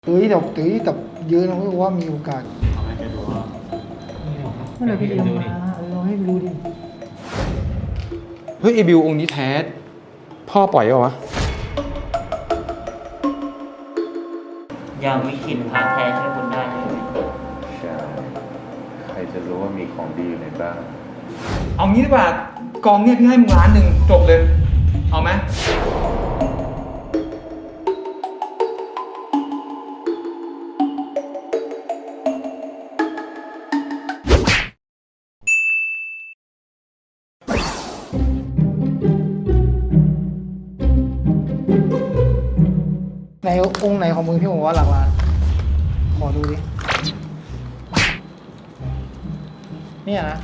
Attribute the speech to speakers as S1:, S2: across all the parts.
S1: แต่เยอะนะไม่ว่ามีโอกาส
S2: ทำให้แกดูว่า
S1: เมื่อไหร่พี่เอ็มมาเราให้ดูดิ
S3: เฮ้ยไอบิวองค์นี้แท้พ่อปล่อยเหรอวะ
S4: ยังวิขินพาแท้ช่วยคุณได้ใช่ไหม
S5: ใช่ ใครจะรู้ว่ามีของดีอยู่ในบ้าน
S3: เอางี้ดีกว่ากองเนี่ยพี่ให้มึง1,000,000จบเลย เอาไหม
S1: ในองค์ไหนของมึงที่ผมว่าหลักล้านขอดูดิเนี่ยนะ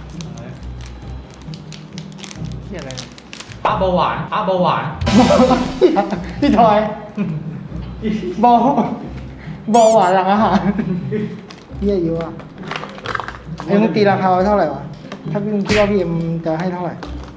S1: เนี่ยอะไรเนี่ย
S2: พระเบาหวานพระเบาหวาน
S1: พี่ทอยบอหวานหลังอาหารเยี่ยเยอะอ่ะไอ้มึงตีราคาไว้เท่าไหร่วะถ้าพี่มึงคิดว่าพี่เอ็มจะให้เท่าไหร่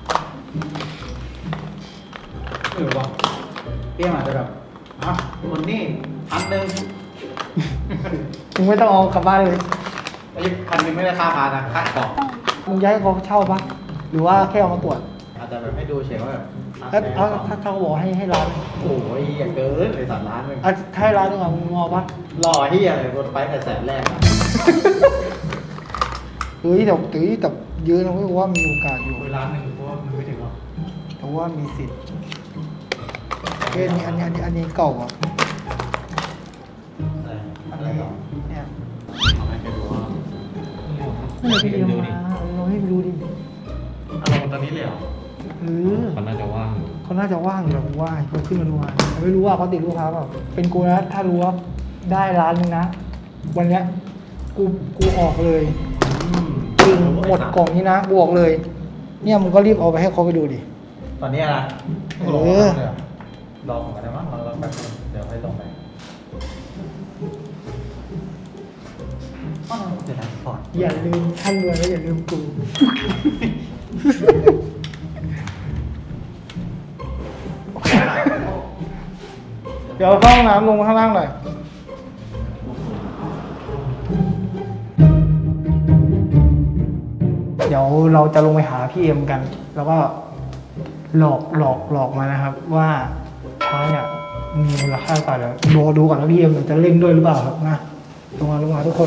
S2: ไม่รู้ว่าเปี้ยมอาจจะแบบอ่ะคนนี่1,000
S1: มึงไม่ต้องเอากลับบ้านเลย
S2: ไอ้1,000ไม่ได้ค่าพานะค่าของ
S1: มึงย้ายเขาเช่าปะหรือว่าแค่เอามาตรวจ
S2: อาจจะแบบให้ดูเฉยว่าแบบ
S1: ถ้าเขาบอกให้ร้าน
S2: โอ้ยอย่าเกินเลยสัตว์ล้านเลย
S1: ถ้าให้ร้านนึงอ่ะมึงเอาปะ
S2: หล่อที่อะไรบนไปแต่แสนแรกอะ
S1: แต่เยอะนะไม่ว่ามีโอกาสอยู่
S2: 1,000,000เพราะว่ามันไม่ถึงหรอก
S1: แต่ว่ามีสิทธิ์เอ้ยอันนี้เก่าอ่ะ
S2: อะไร
S1: อัน
S2: อะไร
S1: นี้
S2: หรอ
S1: เนี่ย
S2: ทำให้แกดูว่า
S1: เมื่อไหร่พี่เอ็มมาเราให้ดูดิ
S2: อารมณ์ตอนนี้เลยเหรอ
S3: เขาน่าจะว่าง
S1: เขาน่าจะว่างอยู่แล้วผมว่าเขาขึ้นมาดูงานแต่ไม่รู้ว่าเขาติดลูกค้าเปล่าเป็นกูนะถ้ารู้ว่าได้ร้านนึงนะวันเนี้ยกูออกเลยจริงหมดกล่องนี้นะกูออกเลย เนี่ยมึงก็รีบเอาไปให้เขาไปดูดิ
S2: ตอนนี้นะ
S1: เออ
S2: รอผมกันได้มั้งรอแป๊บนึงเดี๋ยวให้ลงไปเดี๋ยวนะฟอร์ด
S1: อย่าลืมท่านรวยแล้วอย่าลืมกู เดี๋ยวเข้าห้องน้ำลงมาข้างล่างหน่อย เดี๋ยวเราจะลงไปหาพี่เอ็มกัน แล้วก็หลอกมานะครับ ว่าช้างเนี่ยมีมูลค่าเท่าไหร่เดี๋ยวดูก่อนว่าพี่เอ็มจะเล่นด้วยหรือเปล่าครับนะลงมาทุกคน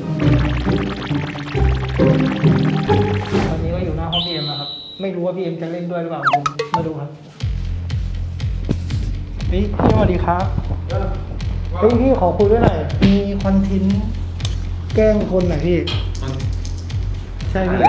S1: ตอนนี้ก็อยู่หน้าห้องพี่เอ็มนะครับ ไม่รู้ว่าพี่เอ็มจะเล่นด้วยหรือเปล่าผมมาดูครับพี่สวัสดีครับเฮ้ยพี่ขอคุยด้วยหน่อยมีคอนเทนต์แกล้งคนหน่อยพี่ ใช่พี่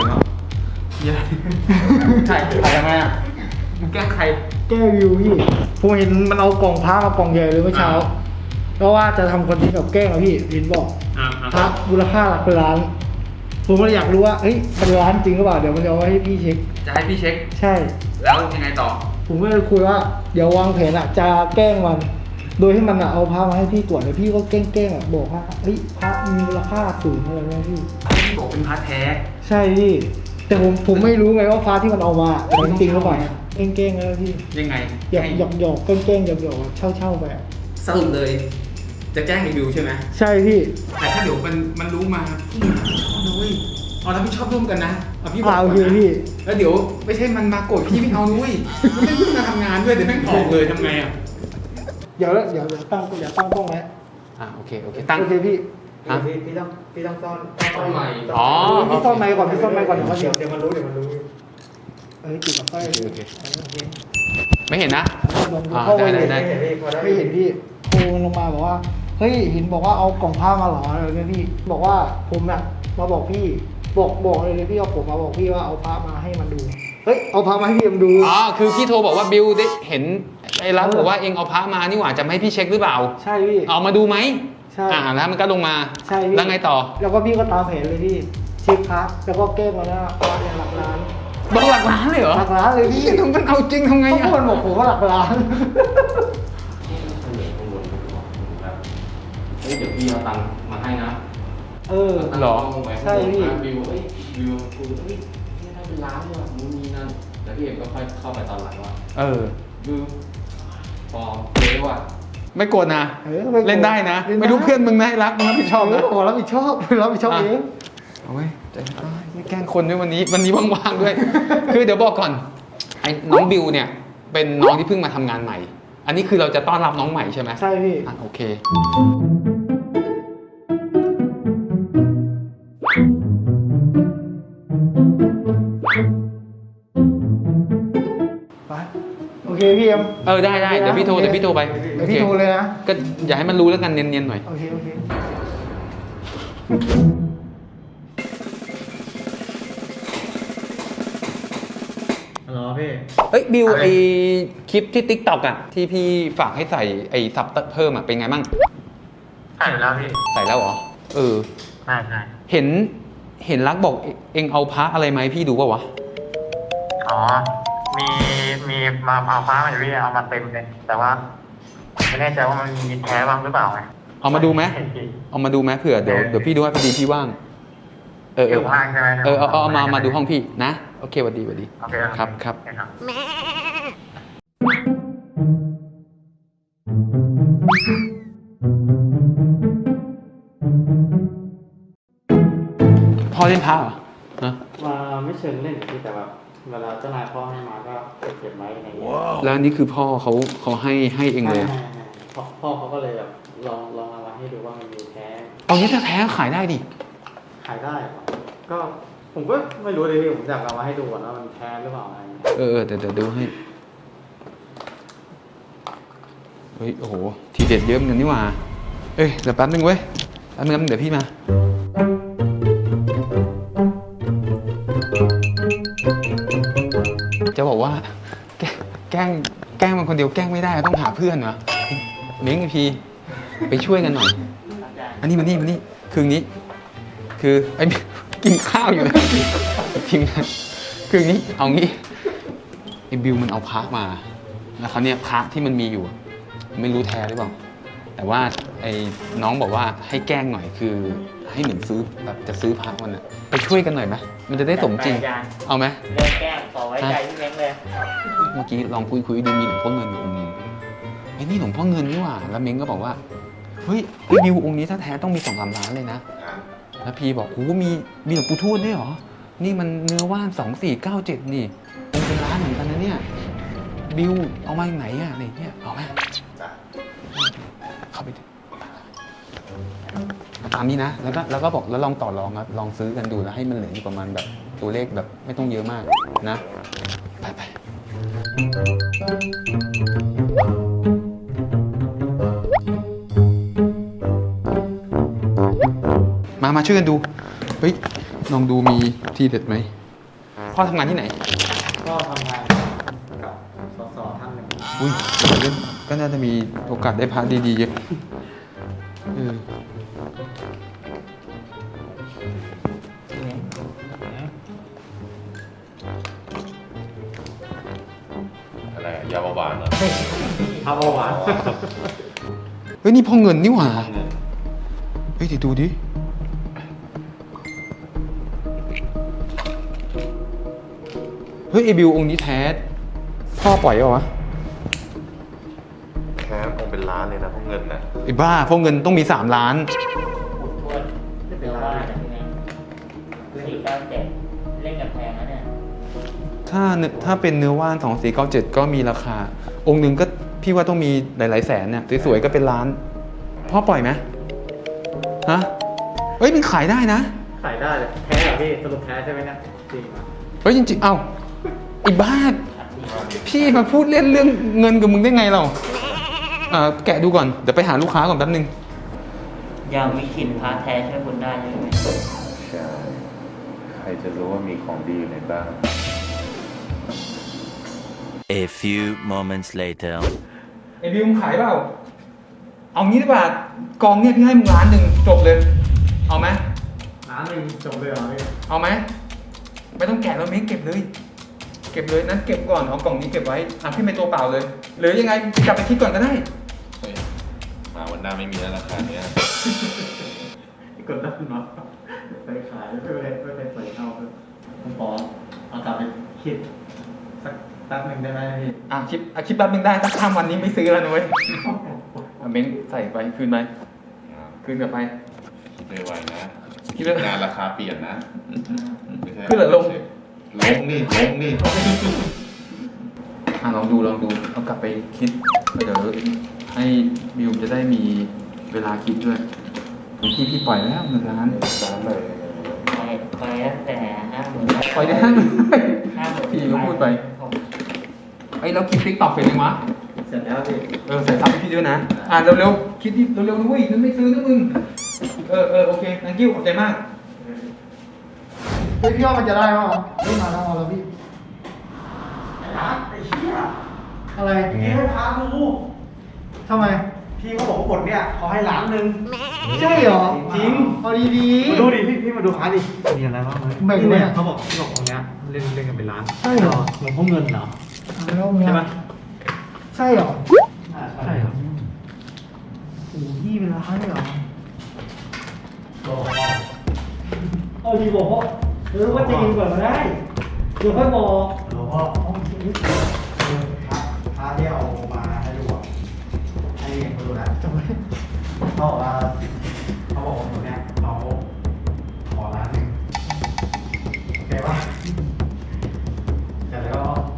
S3: ใช่ถ่ายยังไงอ่ะมึงแกล้งใคร
S1: แก้วิวพี่ผมเห็นมันเอากล่องพระมากล่องใหญ่เลยเมื่อเช้าเพราะว่าจะทำคอนเทนต์กับแกล้งอะพี่ลินบอกพระมูลค่าหลักล้าน ผมก็เลยอยากรู้ว่าเฮ้ยเป็นล้านจริงหรือเปล่าเดี๋ยวมันจะเอาไว้ให้พี่เช็ค
S3: จะให้พี่เช็ค
S1: ใช่
S3: แล้วยังไงต่อ
S1: ผมก็เลยคุยว่าเดี๋ยววางแผนอะจะแกล้งมัน โดยที่มันอะเอาพระมาให้พี่ตรวจแล้วพี่ก็แกล้งอะบอกว่าเฮ้ยพระมีมูลค่าสูงอะไรนะพี่
S3: พี่บอกเป็นพาร์ทแท้
S1: ใช่พี่แต่ผมไม่รู้ไงว่าพระที่มันเอามาเป็นจริงหรือเปล่าแกล้งแล้วพี่
S3: ยังไง
S1: หยอกแกล้งหยอกเช่าไปอะ
S3: สรุปเลย จะแกล้งรีวิวใช่ไหม
S1: ใช่พี่
S3: แต่ถ้าเดี๋ยวมันรู้มาพี่เอาเลยเอาแล้วพี่ชอบร่วมกันนะเอาพี่บอก
S1: โอ
S3: ก่อน
S1: เค
S3: นะ
S1: พี่
S3: แล้วเดี๋ยวไม่ใช่มันมาโกรธพี่ไม่เอานุ้ยมันไม่ขึ้นมาทำงานด้วยเดี๋ยวแม่งออกเลยทำไงอ่ะ
S1: เดี๋ยวตั้งกล้องไว้
S3: โอเคตั้ง
S1: โอเคพี่
S3: ฮะ
S2: พี่ต้องซ่อน
S3: ซ่อนไมค์อ๋อ
S1: พี่ซ่อนไมค์ก่อนเดี๋ยว
S2: เดี๋ยวมันรู้
S1: ติดกับไฟ
S3: โอเคไม่เห็นนะ
S1: ลองดูเข้าไป
S3: ได้
S1: ไม่เห็นพี่โทรลงมาบอกว่าเฮ้ยเห็นบอกว่าเอากล่องผ้ามาหรออะไรเนี่ยพี่บอกว่าผมน่ะมาบอกพี่บอกเลยพี่เอาผมมาบอกพี่ว่าเอาผ้ามาให้มันดูเฮ้ยเอาผ้ามาให้พี่มันดู
S3: อ๋อคือพี่โทรบอกว่าบิวได้เห็นไอ้รัฐบอกว่าเองเอาพระมานี่หว่าจะไม่ให้พี่เช็คหรือเปล่า
S1: ใช่พี่
S3: เอามาดูไหม
S1: ใช่
S3: แล้วมันก็ลงมา
S1: ใช่พี่
S3: แล้วไงต่อ
S1: แล้วก็พี่ก็ตามแผนเลยพี่เช็คพระแล้วก็แก้มาแล้วพระเนี่ยหลักล้าน
S3: บอกหลักล้านเลยเหรอ
S1: หลักล้านเลยพี่
S3: ทำมันเอาจริงทำไง
S1: เพราะ
S3: อ่ะ
S1: มันบอกผมว่าหลักล้าน
S6: เฮ้ยเดี๋ยวพี่เอาตังค์มาให้นะ
S3: หรอ
S1: ใช่พี่
S6: วิววิวคุยเฮ้ยนี่ได้เป็นล้านเลยมึงมีนั่นแล้วพี่เอ็มก็ค่อยเข้าไปตอนหลังว่า
S3: เออ
S6: วิวพอเจ๊ว่ะ
S3: ไม่โกรธนะ เล่นได้นะ ไม่รู้เพื่อนมึงนะรักมึงรับผิดชอบนะ
S1: โอ้รับผิดชอบรับผิดชอบเอง
S3: เอาไว้ใจไม่แกล้งคนด้วยวันนี้ว่างๆด้วย คือเดี๋ยวบอกก่อนไอ้น้องบิวเนี่ยเป็นน้องที่เพิ่งมาทำงานใหม่ อันนี้คือเราจะต้อนรับน้องใหม่ใช่ไหม
S1: ใช่พี่
S3: อ่ะโอเค
S1: ไปโอเคพี่เอ็ม
S3: ได้เดี๋ยวพี่โทรไป
S1: เดี๋ยวพี่โทรเลยนะ
S3: ก็อย่าให้มันรู้แล้วกันเนียนๆหน่อย
S1: โอเค
S2: ฮัลโหลพี่
S3: เอ้ยบิวไอคลิปที่ TikTok อ่ะที่พี่ฝากให้ใส่ไอซับเพิ่มอ่ะเป็นไงบ้าง
S6: ใช่แล้วพี่
S3: ใส่แล้วเหรอ
S6: ใช่
S3: เห็นรักบอกเองเอาพระอะไรมาให้พี่ดูป่าวะ
S6: อ๋อ มีมาเอาฟ้ามาอยู่พี่เอามาเต็มเลย แต่ว่าไม่แน่ใจว่ามันมีแท้บ้างหรือเปล่าไง
S3: เอามาดูไหมเอามาดูไหมเผื่อเดี๋ยวพี่ดูให้พอดีพี่ว่าง
S6: อยู่ห้างใช่ไหม
S3: เอามาดูห้องพี่นะโอเคสวัสดี
S6: โอเค
S3: ครับ
S6: ครับ
S3: พ่อเล่นพระเหรอฮะ
S7: มาไม่เชิงเล่นที่แต่แบบเวลาเจ้านายพ่อให้มาก็เก็บไว้อะไรอย่างเงี้ย
S3: แล้วอันนี้คือพ่อเขาให้เองเลย
S7: พ่อเขาก็เลยแบบลองเอามาให้ดูว่ามันมีแท้
S3: เอางี้ถ้าแท้ขายได้ดิ
S7: ขายได้เหรอก็ผมก็ไม่รู้เลยพี่ผมอยากเอามาให้ดูก่อนว่ามันแท้หรือเปล่าอะไรอย่างเงี้ย
S3: เดี๋ยวดูให้เฮ้ยโอ้โหทีเด็ดเยอะเหมือนกันนี่หว่าเดี๋ยวแป๊บนึงเว้ยแป๊บนึงเดี๋ยวพี่มาจะบอกว่าแกล้งมันคนเดียวแกล้งไม่ได้ต้องหาเพื่อนวะเม้งไอพีไปช่วยกันหน่อยอันนี้มานี่คืออย่างนี้คือไอ้กินข้าวอยู่นะทีมงานคืออย่างนี้เอางี้ไอ้บิวมันเอาพระมาแล้วเขาเนี่ยพระที่มันมีอยู่ไม่รู้แท้หรือเปล่าแต่ว่าไอ้น้องบอกว่าให้แกล้งหน่อยคือให้เหมือนซื้อแบบจะซื้อพระมันอะไปช่วยกันหน่อยไหมมันจะได้สมจริงเอาไหม
S4: เรื่องแกล้งขอไว้ใจพี่เม้งเลย
S3: เมื่อกี้ลองคุยดูมีหลวงพ่อเงินอยู่องค์นึงไอ้นี่หลวงพ่อเงินนี่หว่าแล้วเม้งก็บอกว่าเฮ้ยไอ้บิวองค์นี้ถ้าแท้ต้องมี2-3 ล้านเลยนะแล้วพีบอกโอ้มีหลวงปู่ทวดด้วยเหรอนี่มันเนื้อว่าน2497นี่องค์เป็นล้านเหมือนกันนะเนี่ยบิวเอามาจากไหนอะอะไรเงี้ยเอาไหมเข้าไปดิตามนี้นะแล้วก็บอกแล้วลองต่อรองครับลองซื้อกันดูแล้วให้มันเหลืออยู่ประมาณแบบตัวเลขแบบไม่ต้องเยอะมากนะไปมาช่วยกันดูเฮ้ยลองดูมีที่เด็ดไหมพ่อทำงานที่ไหน
S7: ก็ทำงานกับส.ท่านหนึ่ง
S3: อุ้ยก็น่าจะมีโอกาสได้พระดีๆเยอะ
S5: อะไรยาเบาหวานเหรอ
S7: พระเบาหวาน
S3: เฮ้ยนี่พ่อเงินนี่หว่าเฮ้ยเดี๋ยวดูดิเฮ้ยไอบิวองค์นี้แท้พ่อปล่อยเหรอวะ
S5: แค่คงเป็นล้านเลยนะพวกเงินนะ
S3: ไอ้บ้าพ่อเงินต้องมี3 ล้าน
S4: อุดทวดเนื้อว่านะพี่เม้ง497เล่นกับแพงนะเนี่ย
S3: ถ้าเป็นเนื้อว่าน2497ก็มีราคาองค์หนึ่งก็พี่ว่าต้องมีหลายๆแสนเนี่ยสวยๆก็เป็นล้านพ่อปล่อยไหมฮะเฮ้ยมันขายได้นะ
S7: ขายได้เลยแท้เหรอพี่สรุปแท้ใช่ไหมเนี่ยจริงอ่ะ
S3: เฮ้ยจริงๆเอ้าไอ้บ้าพี่มาพูดเล่นเรื่องเงินกับมึงได้ไงเราแกะดูก่อนเดี๋ยวไปหาลูกค้าก่อนแป๊บนึง
S4: อย่างวิคินพาแท้ช่วยคุณได้ใช่ไหม
S5: ใช่ใครจะรู้ว่ามีของดีอยู่ในบ้าน
S8: A few moments later.
S3: ไอ้บิวมึงขายเปล่าเอางี้ดีกว่ากองเนี่ยพี่ให้มึง1,000,000จบเลยเอาไหม
S7: 1,000,000จบเลยเหรอพี่
S3: เอาไหมไม่ต้องแกะแล้วเม้งเก็บเลยนั้นเก็บก่อนเอากล่องนี้เก็บไว้พี่ไม่ตัวเปล่าเลยหรือยังไงกลับไปคิดก่อนก็ได้
S5: เฮ้ยมาวันหน้าไม่มีแล้วราคาเนี้ย
S7: กดดันมาไปขายไม่ไปใส่เข้าผมขอเอากลับไปคิดสักแป๊บหนึ่งได้ไหมพี่
S3: คิดแป๊บนึงได้ถ้าข้ามวันนี้ไม่ซื้อแล้วนะเว้ย
S7: โอ
S3: เม้งใส่ไปคืนไปคืนกลับไป
S5: คิดได้ไวนะ
S3: คิดได้
S5: งานราคาเปลี่ยนนะไม่ใช่
S3: ขึ้นหรือลง
S5: ลงนี่
S3: ลองดูเอากลับไปคิดเดี๋ยวให้บิวจะได้มีเวลาคิดด้วยพี่ปล่อยแล้ว1 ล้าน
S5: ร้านเลย
S4: ไปตั้งแต่50,000
S3: ปล่อยได้50,000พี่ก็พูดไปไอ้เราคิดติ๊กตอกเสร็จยังวะ
S7: เสร็จแล้วพี่
S3: ใส่ซับให้พี่ด้วยนะเร็วๆคิดดิเร็วๆนะเว้ยนั่นไม่ซื้อนะมึงโอเค thank you ขอบใจมาก
S1: เฮ้ยพี่ว่ามันจะได้ป่ะไม่มาแล้วแล้วพี่
S2: ไอ้เหี้ย
S1: อะไร
S2: พี่ให้พาดู
S1: ทำไม
S2: พี่เขาบอกว่าบทเนี่ยเขาให้1 ล้าน
S1: ใช่เหรอ
S2: จริง
S1: เอาดี
S2: มาดูดิพี่มาดูพาร์ทดิมีอะไรบ้างไหม
S1: แบ่ง
S2: นี่
S1: ไหม
S2: เนี่ยเขาบอกตรงเนี้ยเล่นกันเป็นล้าน
S1: ใช่เหรอ
S2: หลวงพ่อเงินเหรอ
S1: แล้วเนี่ย
S2: ใช่ปะ
S1: ใช่เหรอ
S2: ใช่ครับ
S1: โอ้พี่เป็นล้านเลยเหรอ
S2: เอาดีบอกว่าว่าจะกินก่อนก็ได้เดี๋ยวค่อยบอกหลวงพ่อพาที่เอามาให้ดูอ่ะให้เห็นเขาดูนะ
S1: จำไม่
S2: เขาบอกว่าคนเนี้ยเราขอ1 ล้านโอเคป่ะเสร็จ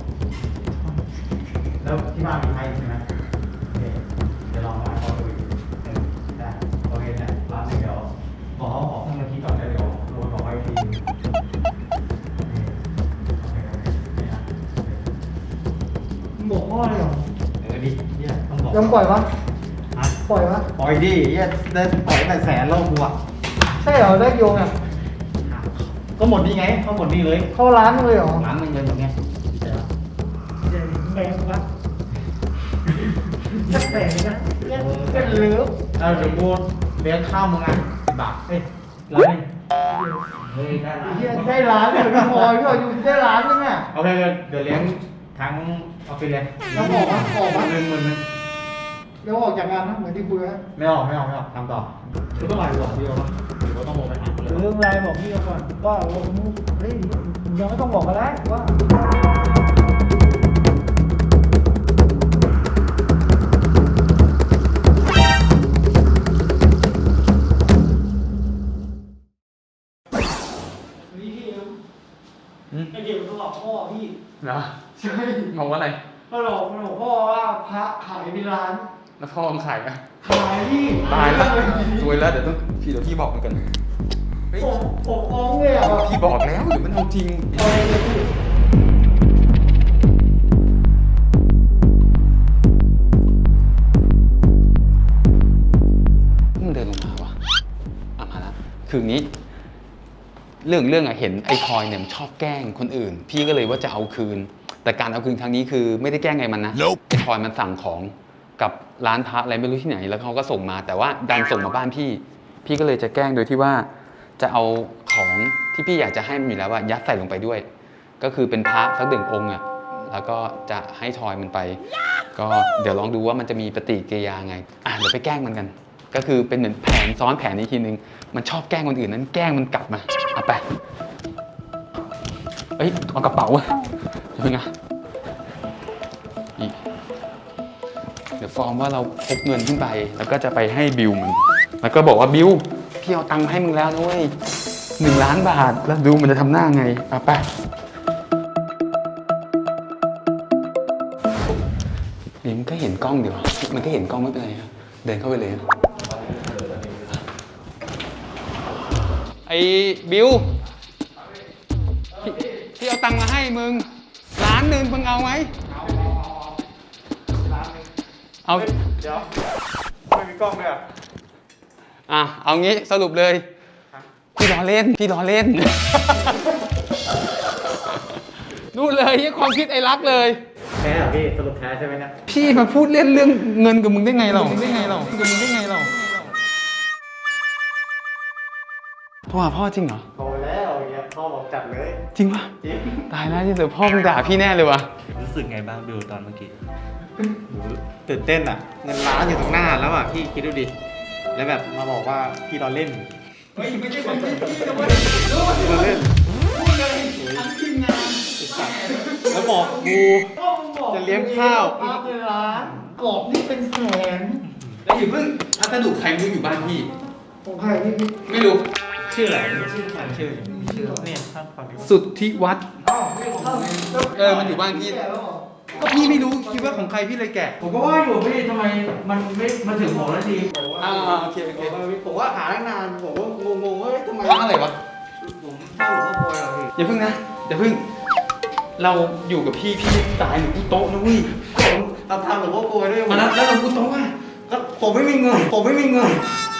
S2: แล้วที่บ้านมีใครใช่ไหมเดี๋ยวลองมาขอดูได้โอเคเนี่ย1 ล้านเดี๋ยวบอกเขาขอเพิ่มมาทีก่อนแล้วเดี๋ยวโรยบอกไว้ทีนึง
S1: บอกพ่อเลยเหรอ
S2: ดิเนี่ยต้องบอก
S1: ยังปล่อยวะปล่อยวะ
S2: ปล่อยดิเนี่ยได้ปล่อยแต่100,000แล้วกูอ่ะ
S1: ใช่เหรอได้โยงอ่ะ
S2: ก็หมดนี่ไงเขาหมดนี่เลย
S1: เข้าร้านเลยเหรอ
S2: 1 ล้านเลยอย่างเงี้ยใช่ปะ
S1: เดี๋ยวแบ่งวะจะแบ่งนะเป็นเลือ
S2: เดี๋ยวกูเลี้ยงข้าวมึงอ่ะ10 บาทเฮ้ย1 ล้านเฮ้ยได้ล้าน
S1: ได้ร้านเลยพี่พลอยพี่พลอยอยู่ได้ร้านนึงอ่ะ
S2: โอเคเดี๋ยวเลี้ยงทั้งออฟฟิศเลย
S1: แล้วบอกว่าออกมา
S2: 10,000
S1: แล้วออกจากงานนะเหมือนที่คุยไว้
S2: ไม่ออกทำต่อคือต้องไหลหรอพี่โอหรือว่าต้องโมไปหาคนเลย
S1: เรื่องอะไรบอกพี่เขาก่อนว่าเฮ้ยยังไม่ต้องบอกก็ได้ว่าไอเด็กมันหลอกพ่อพี่
S3: เหรอ
S1: ใช่
S3: บอกว่าอะไร
S1: มันหลอกพ่อว่าพระขายเป็นร้าน
S3: แล้วพ่อมึงขายไหม
S1: ขายพี่
S3: ตายแล้วสวยแล้วเดี๋ยวพี่บอกมันกันเฮ้ย
S1: ผมฟ้องเลยอ่ะ
S3: พี่บอกแล้วเดี๋ยวมันเอาจริง
S1: เอาเลยพี่
S3: มันเดินลงมาวะมาแล้วคืออย่างนี้ เรื่องอะเห็นไอ้ทอยเนี่ยมันชอบแกล้งคนอื่น พี่ก็เลยว่าจะเอาคืน แต่การเอาคืนครั้งนี้คือไม่ได้แกล้งไงมันนะ ไอ้ทอยมันสั่งของกับร้านพระอะไรไม่รู้ที่ไหน แล้วเขาก็ส่งมา แต่ว่าดันส่งมาบ้านพี่ พี่ก็เลยจะแกล้งโดยที่ว่าจะเอาของที่พี่อยากจะให้มันอยู่แล้วว่ายัดใส่ลงไปด้วย ก็คือเป็นพระสัก1 องค์อะแล้วก็จะให้ทอยมันไป ก็เดี๋ยวลองดูว่ามันจะมีปฏิกิริยาไงเดี๋ยวไปแกล้งมันกัน ก็คือเป็นเหมือนแผนซ้อนแผนอีกทีนึง มันชอบแกล้งคนอื่นนั้นแกล้งมันกลับมาเอาไปเอากระเป๋าเดี๋ยวไงเดี๋ยวฟอร์มว่าเราพกเงินขึ้นไป แล้วก็จะไปให้บิวมันแล้วก็บอกว่าบิวพี่เอาตังค์มาให้มึงแล้วนะเว้ย1 ล้านบาทแล้วดูมันจะทำหน้าไงเอาไปนี่มันก็เห็นกล้องเดี๋ยวมันก็เห็นกล้องไม่เป็นไรครับเดินเข้าไปเลยไอ้บิวพี่เอาตังค์มาให้มึง1 ล้านมึงเอาไหมเอา
S2: เดี๋ยวไม่มีกล้องเลยอ่ะ
S3: เอางี้สรุปเลยพี่ล้อเล่นนู่นเลยความคิดไอ้รักเลย
S2: แท้เหรอพี่สรุปแท้ใช่ไหมเนี่ย
S3: พี่มาพูดเล่นเรื่องเงินกับมึงได้ไงเราโทรหาพ่อจริงเหรอ
S2: โตแล้วอย่างเงี้ยพ่อบอกจัดเลย
S3: จริงปะ
S2: จริง
S3: ตายแล้วที่เสือพ่อมึงด่าพี่แน่เลยวะ
S4: รู้สึกไงบ้างบิวตอนเมื่อกี้
S2: ตื่นเต้นอ่ะ เงินล้านอยู่ตรงหน้าแล้วอ่ะพี่คิดดูดิ แล้วแบบมาบอกว่าพี่เราเล่น
S3: เฮ้ยไม่ใช่คนที่พี่นะเว้ย
S2: พี่เราเล่น
S3: พูดเลยทั้งทีมงาน
S2: แล้วบอกกูจะเลี้ยงข้าว
S1: พระเป็นร้านกรอบนี่เป็นแสน
S3: แล้วอย่าเพิ่งพัสดุใครไม่รู้อยู่บ้านพี่
S1: ของใครพี่
S3: ไม่รู้
S2: ชื่ออะไรชื่อฟังชื่อเนี่ยท่านฟังดิ
S3: สุทธิวัฒน์
S1: อ้าวไม่ของเขา
S3: มันอยู่บ้านพี่
S1: แก่แล้วเหรอ
S3: ก็พี่ไม่รู้คิดว่าของใครพี่เลยแกะ
S2: ผมก็ว่าอยู่พี่ทำไมมันไม่มาถึงผมแล้วที
S3: โอเคโอเค
S1: ผมว่าหาตั้งนานผมก็งงๆว่าทำไม
S3: ร้านอะไรวะ
S1: ผมเช่าหลวงพ่อโวยเหรอพี่
S3: อย่าเพิ่งนะอย่าเพิ่ง เราอยู่กับพี่ตายหรือกูโต๊ะนะเว้ย
S1: ผมเราทำหลวงพ่อโวยด้วย
S3: มาแล้วเรากูโต๊ะว่ะ
S1: ก็ผมไม่มีเงิน ผมไม่มีเงิน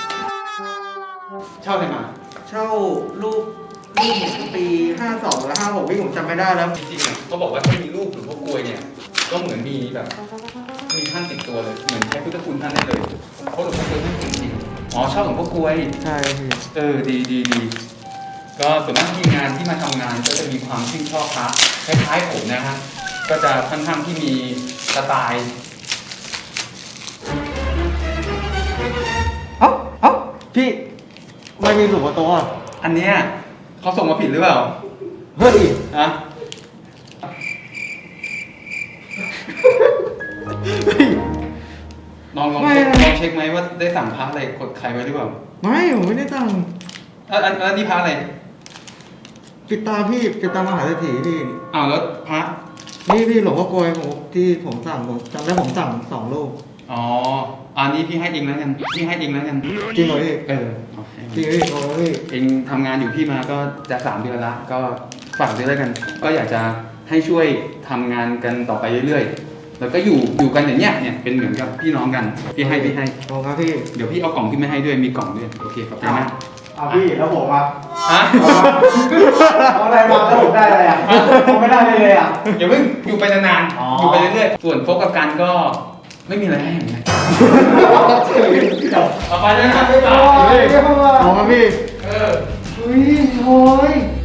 S3: เช่าอะไรมา
S1: เช่ารูปผมปี52และ56พี่ผมจำไม่ได้แล้ว
S3: จริงๆอ่ะเขาบอกว่าถ้ามีรูปหรือพวกกลวยเนี่ย ก็เหมือนมีแบบ มีท่านติดตัวเลย เหมือนใช้พุทธคุณท่านได้เลยเพราะหลวงพ่อกลวยท่านจริงๆอ๋อชอบหลวงพ่อกลวย
S1: ใช่พี่
S3: ดีก็ส่วนมากทีมงานที่มาทำงานก็จะมีความชื่นชอบพระคล้ายๆผมนะฮะก็จะค่อนข้างที่มีสไตล์
S1: เอ้าพี่ไม่มีหลวงพ่อโตอ่ะ
S3: อันเนี้ยเขาส่งมาผิดหรือเปล่า
S1: เฮ้ย
S3: ฮะลองเช็คไหมว่าได้สั่งพระอะไรกดใครไว้หรือเปล่า
S1: ไม่ผมไม่ได้ตั้ง
S3: อันนี้พระอะไร
S1: ปิดตาพี่ปิดตามหาเศรษฐีพี่
S3: อ้าวแล้วพระ
S1: นี่พี่หลวงพ่อโกยผมที่ผมสั่งผมจำได้ผมสั่ง2 รูป
S3: อ๋ออันนี้พี่ให้เองแล้วกันพี่ให้เองแล้วกัน
S1: จริงเหรอพี่
S3: โอเค
S1: จริงพี่โอ้พี่
S3: เองทำงานอยู่พี่มาก็จะ3 เดือนละก็ฝากด้วยแล้วกัน ก็อยากจะให้ช่วยทำงานกันต่อไปเรื่อยๆ แล้วก็อยู่กันอย่างเนี้ยเนี่ยเป็นเหมือนกับพี่น้องกันพี่ให้
S1: ขอบครับพี่
S3: เดี๋ยวพี่เอากล่องที่ไม่ให้ด้วยมีกล่องด้วยโอเคขอบใจมาก
S1: เอาพี่แล้วผมอ่ะ
S3: ฮะ
S1: เอาอะไรมาแล้วผมได้อะไรอ่ะผมไม่ได้เลยอ่ะ
S3: อย่าเพิ่งอยู่ไปนานๆอยู่ไปเรื่อยๆส่วนโฟกัสกันก็ไม่มีอะไรให้อย่างเงี้ยเอาไปเลยนะ
S1: ขอบครับพี่
S3: เออ
S1: เฮ้ยโอ้ย